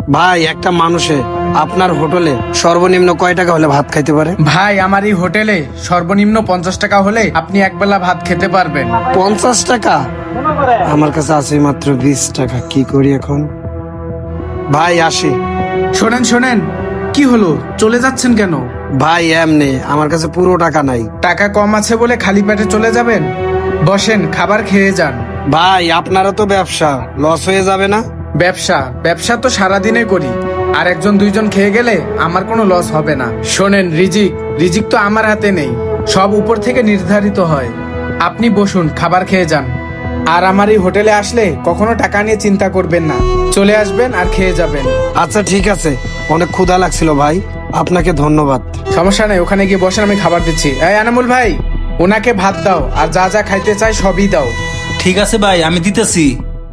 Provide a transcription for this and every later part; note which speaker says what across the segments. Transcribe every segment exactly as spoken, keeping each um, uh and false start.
Speaker 1: ভাই একটা মানুষে আপনার হোটেলে সর্বনিম্ন কয় টাকা হলে ভাত খাইতে পারে?
Speaker 2: ভাই আমার এই হোটেলে সর্বনিম্ন পঞ্চাশ টাকা হলে আপনি একবেলা ভাত খেতে পারবেন।
Speaker 1: পঞ্চাশ টাকা? আমার কাছে আছে মাত্র বিশ টাকা, কি করি এখন? ভাই আসি।
Speaker 2: শোনেন শোনেন, কি হলো, চলে যাচ্ছেন কেন?
Speaker 1: ভাই এমনি আমার কাছে পুরো টাকা নাই।
Speaker 2: টাকা কম আছে বলে খালি পেটে চলে যাবেন? বসেন, খাবার খেয়ে যান।
Speaker 1: ভাই আপনারা তো ব্যবসা, লস হয়ে যাবে না?
Speaker 2: ব্যবসা ব্যবসা তো সারাদিনে করি, আর একজন দুইজন খেয়ে গেলে আমার কোনো লস হবে না। শোনেন, রিজিক রিজিক তো আমার হাতে নেই, সব উপর থেকে নির্ধারিত হয়। আপনি বসুন, খাবার খেয়ে যান। আর আমার এই হোটেলে আসলে কখনো টাকা নিয়ে চিন্তা করবেন না, চলে আসবেন আর খেয়ে যাবেন।
Speaker 1: আচ্ছা ঠিক আছে, অনেক ক্ষুধা লাগছিল ভাই, আপনাকে ধন্যবাদ।
Speaker 2: সমস্যা নেই, ওখানে গিয়ে বসেন, আমি খাবার দিচ্ছি। এই আনামুল ভাই, ওনাকে ভাত দাও, আর যা যা খাইতে চাই সবই দাও।
Speaker 3: ঠিক আছে ভাই, আমি দিতেছি।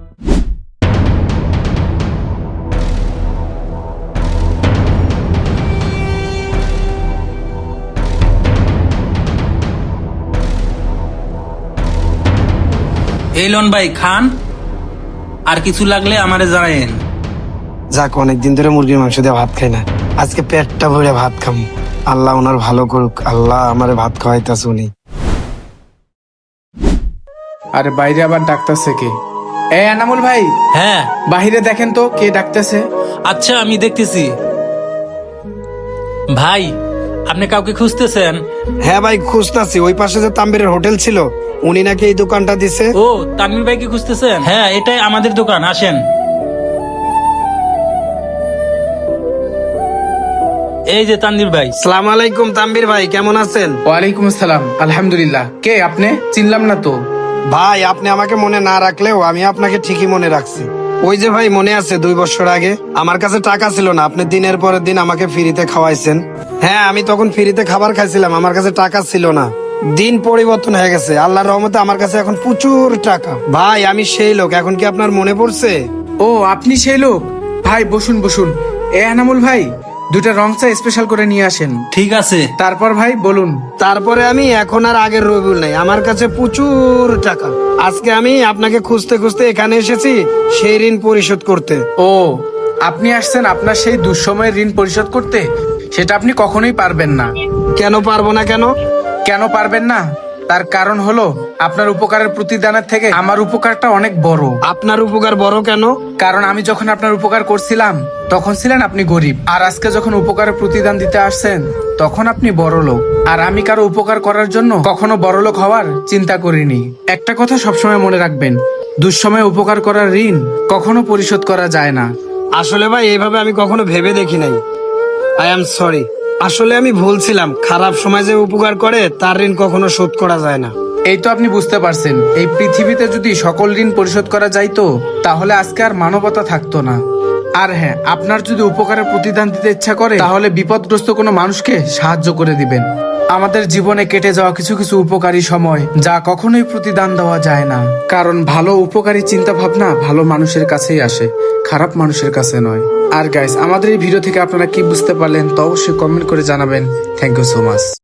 Speaker 3: এই লন ভাই, খান, আর কিছু লাগলে আমারে জানায়েন।
Speaker 1: যাক, অনেকদিন ধরে মুরগির মাংস দিয়ে ভাত খাই না, আজকে পেটটা ভরে ভাত খাম। আল্লাহ ওনার ভালো করুক, আল্লাহ আমারে ভাত খাওয়াইতাছে উনি।
Speaker 2: আরে বাইরে আবার ডাকতেছে কে? এই আনামুল ভাই,
Speaker 3: হ্যাঁ
Speaker 2: বাহিরে দেখেন তো কে ডাকতেছে।
Speaker 3: আচ্ছা, আমি দেখতেছি। ভাই, আপনি কাউকে খুঁজতেছেন?
Speaker 1: হ্যাঁ ভাই খুঁজতাছি, ওই পাশে যে তাম্বিরের হোটেল ছিল, উনি নাকি এই দোকানটা দিছে।
Speaker 3: ও, তানভীর ভাইকে খুঁজতেছেন? হ্যাঁ, এটাই আমাদের দোকান, আসেন। এই যে তানভীর ভাই।
Speaker 1: সালাম আলাইকুম তাম্বির ভাই, কেমন আছেন?
Speaker 2: ওয়ালাইকুম আসসালাম, আলহামদুলিল্লাহ। কে আপনি? চিনলাম না তো।
Speaker 1: ভাই আপনি আমাকে মনে না রাখলেও আমি আপনাকে ঠিকই মনে রাখছি। ওই যে ভাই, মনে আছে দুই বছর আগে আমার কাছে টাকা ছিল না, আপনি দিনের পরের দিন আমাকে ফ্রিতে খাওয়াইছেন। হ্যাঁ, আমি তখন ফ্রিতে খাবার খাইছিলাম, আমার কাছে টাকা ছিল না। দিন পরিবর্তন হয়ে গেছে, আল্লাহর রহমতে আমার কাছে এখন প্রচুর টাকা। ভাই আমি সেই লোক, এখন কি আপনার মনে পড়ছে?
Speaker 2: ও, আপনি সেই লোক? ভাই বসুন বসুন। এ আনামুল ভাই, দুটা রং চা স্পেশাল করে নিয়ে আসেন।
Speaker 3: ঠিক আছে।
Speaker 2: তারপর ভাই বলুন।
Speaker 1: তারপরে আমি এখন আর আগের রবিউল নাই, আমার কাছে প্রচুর টাকা। আজকে আমি আপনাকে খুঁজতে খুঁজতে এখানে এসেছি সেই ঋণ পরিশোধ করতে।
Speaker 2: ও, আপনি আসছেন আপনার সেই দুঃসময়ের ঋণ পরিশোধ করতে? সেটা আপনি কখনোই পারবেন না।
Speaker 1: কেন পারবো না? কেন
Speaker 2: কেন পারবেন না? তার কারণ হলো আপনার উপকারের প্রতিদানের থেকে আমার উপকারটা অনেক বড়।
Speaker 1: আপনার উপকার বড় কেন?
Speaker 2: কারণ আমি যখন আপনার উপকার করছিলাম তখন ছিলেন আপনি গরিব, আর আজকে যখন উপকারের প্রতিদান দিতে আসছেন তখন আপনি বড় লোক। আর আমি কারো উপকার করার জন্য কখনো বড় লোক হওয়ার চিন্তা করিনি। একটা কথা সবসময় মনে রাখবেন, দুঃসময়ে উপকার করার ঋণ কখনো পরিশোধ করা যায় না।
Speaker 1: আসলে ভাই এইভাবে আমি কখনো ভেবে দেখি নাই। আই এম সরি, আসলে আমি ভুলছিলাম। খারাপ সময় যে উপকার করে তার ঋণ কখনো শোধ করা যায় না।
Speaker 2: এই তো আপনি বুঝতে পারছেন, এই পৃথিবীতে যদি সকল ঋণ পরিশোধ করা যাইতো তাহলে আজকে আর মানবতা থাকতো না। আর হ্যাঁ, আপনার যদি উপকারের প্রতিদান দিতে ইচ্ছা করে তাহলে বিপদগ্রস্ত কোনো মানুষকে সাহায্য করে দিবেন। আমাদের জীবনে কেটে যাওয়া কিছু কিছু উপকারী সময় যা কখনোই প্রতিদান দেওয়া যায় না, কারণ ভালো উপকারী চিন্তা ভাবনা ভালো মানুষের কাছেই আসে, খারাপ মানুষের কাছে নয়। আর গাইস, আমাদের এই ভিডিও থেকে আপনারা কি বুঝতে পারলেন তা অবশ্যই কমেন্ট করে জানাবেন। Thank you so much.